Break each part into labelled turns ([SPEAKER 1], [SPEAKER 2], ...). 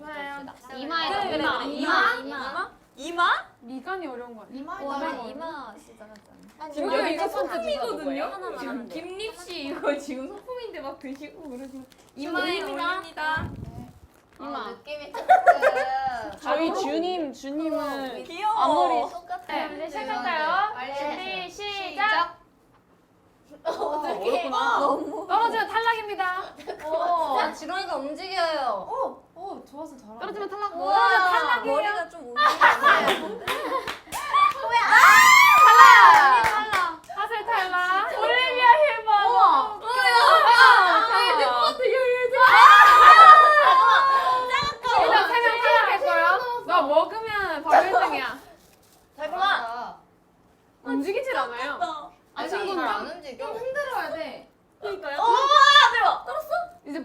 [SPEAKER 1] 좋아요.
[SPEAKER 2] 이마에
[SPEAKER 3] 이마?
[SPEAKER 1] 미간이 어려운 거 아니야?
[SPEAKER 2] 이마 시작하잖아.
[SPEAKER 3] 지금 여기 이거
[SPEAKER 2] 소품이거든요.
[SPEAKER 3] 지금 김립 씨 이거 지금 소품인데 막 드시고 그러시면
[SPEAKER 2] 이마에
[SPEAKER 3] 올립니다.
[SPEAKER 2] 이마.
[SPEAKER 4] 느낌이 조금
[SPEAKER 5] 저희 주님은
[SPEAKER 3] 귀여워.
[SPEAKER 5] 앞머리
[SPEAKER 4] 똑같아.
[SPEAKER 1] 네, 이제 시작할까요?
[SPEAKER 4] 빨리
[SPEAKER 1] 준비 시작.
[SPEAKER 5] 어렵구나.
[SPEAKER 1] 떨어지면 탈락입니다.
[SPEAKER 2] 야, 지렁이가 움직여요.
[SPEAKER 4] 좋아서 잘한다.
[SPEAKER 2] 떨어지면 탈락.
[SPEAKER 1] 우와, 탈락이에요.
[SPEAKER 2] 머리가 좀 움직이네.
[SPEAKER 1] 하슬 탈락. 올리비아 힐버. 일단 3명 탈락했고요. 너 먹으면 바로 1등이야.
[SPEAKER 4] 달콤아.
[SPEAKER 1] 움직이질 않아요.
[SPEAKER 4] 아니
[SPEAKER 2] 잘
[SPEAKER 4] 이거
[SPEAKER 2] 안 움직여.
[SPEAKER 4] 흔들어야 돼.
[SPEAKER 3] 그러니까요.
[SPEAKER 1] 이제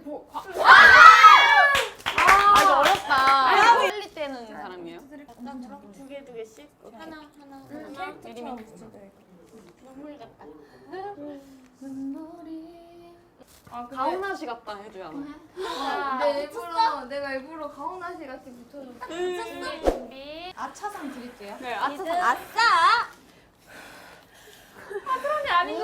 [SPEAKER 5] 이거 어렵다. 빨리 떼는 사람이에요?
[SPEAKER 3] 두 개씩.
[SPEAKER 4] 하나.
[SPEAKER 5] 미리미.
[SPEAKER 4] 눈물 같다.
[SPEAKER 5] 가훈아 씨 같다 해줘야 하나?
[SPEAKER 4] 내가 일부러 가훈아 씨 같이 붙여줬어.
[SPEAKER 1] 준비.
[SPEAKER 4] 아차상 드릴게요.
[SPEAKER 5] 네, 아차.
[SPEAKER 2] 아싸!
[SPEAKER 1] 아니